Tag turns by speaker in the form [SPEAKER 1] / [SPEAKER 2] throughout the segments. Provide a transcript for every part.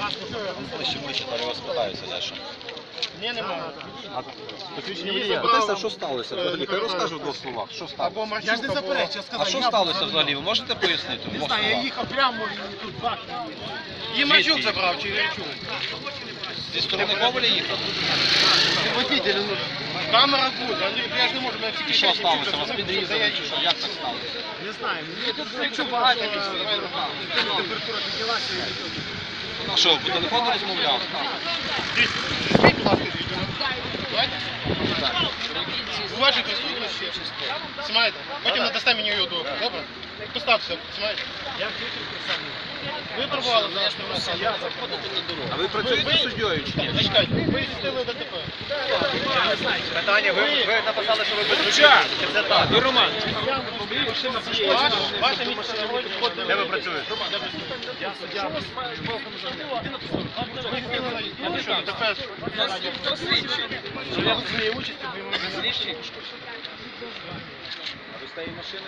[SPEAKER 1] Ближче, то його спитаються дещо.
[SPEAKER 2] Ні, немає.
[SPEAKER 1] Питайся, що сталося взагалі? Хай розкажу в двох словах. Що сталося?
[SPEAKER 2] Я ж не заперечу, я сказав.
[SPEAKER 1] А що сталося взагалі? Ви можете пояснити?
[SPEAKER 2] Не знаю, я їхав прямо і тут бах. Її Мачук забрав, чи Ірчук?
[SPEAKER 1] Зі сторони Коваля їхав?
[SPEAKER 2] Водитель, ну, камера буде, я ж не можу, мене тільки
[SPEAKER 1] Що сталося? Вас підрізали чи що? Як так сталося?
[SPEAKER 2] Не знаю, мені тут Ірчук багато місць, температура піднялася.
[SPEAKER 1] А що, по телефону розмовляв?
[SPEAKER 2] Візьміть, будь ласка, відео. Давайте. Уважно присутності. Знімаєте? Потім надасте мені його добре. Добре? Поставте, знімаєте? Я ви пробували, знаєте, я заходити на дорогу.
[SPEAKER 1] А ви працюєте суддєю чи ні?
[SPEAKER 2] Зачекайте, ви здійснили ДТП.
[SPEAKER 1] Питання, ви написали, що ви без
[SPEAKER 2] Це так. Ви Роман. Ваше місце на волі.
[SPEAKER 1] Де ви працюєте?
[SPEAKER 2] Я суддя. Ви що, ДТП?
[SPEAKER 1] Хто слідчий?
[SPEAKER 2] Я в своїй участі, ви
[SPEAKER 1] Слідчий? Ви з тієї машини?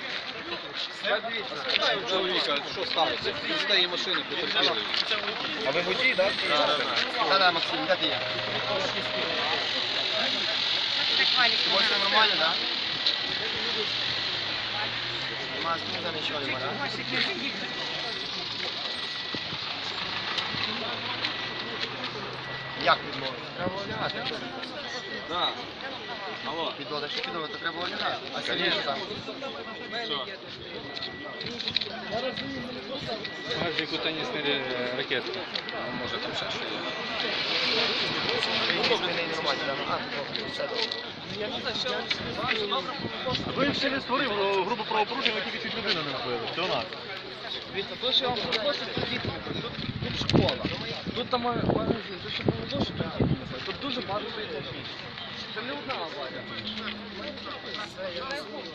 [SPEAKER 1] Спитаю у чоловіка, що сталося? Він з тієї машини потерпілий. А ви водій, так?
[SPEAKER 2] Так, Максим, де ти є? Все нормально, так? Нема смысла нічого нема, так? Як відмовити? Треба лягати.
[SPEAKER 1] Так. Алло.
[SPEAKER 2] Підлога, що підлога, то треба лягати. А сильніше там.
[SPEAKER 3] Яку тенісні ракетки.
[SPEAKER 1] Може там ще що є.
[SPEAKER 2] Ви ще не створив групу правопорушень, ви тільки чуть людину не вбили. Це у нас.
[SPEAKER 4] Дивіться, то, що я вам хочу, тут діти, тут школа, тут там магазин, тут ще було дуже багато, тут дуже багато людей. Це не одна аварія.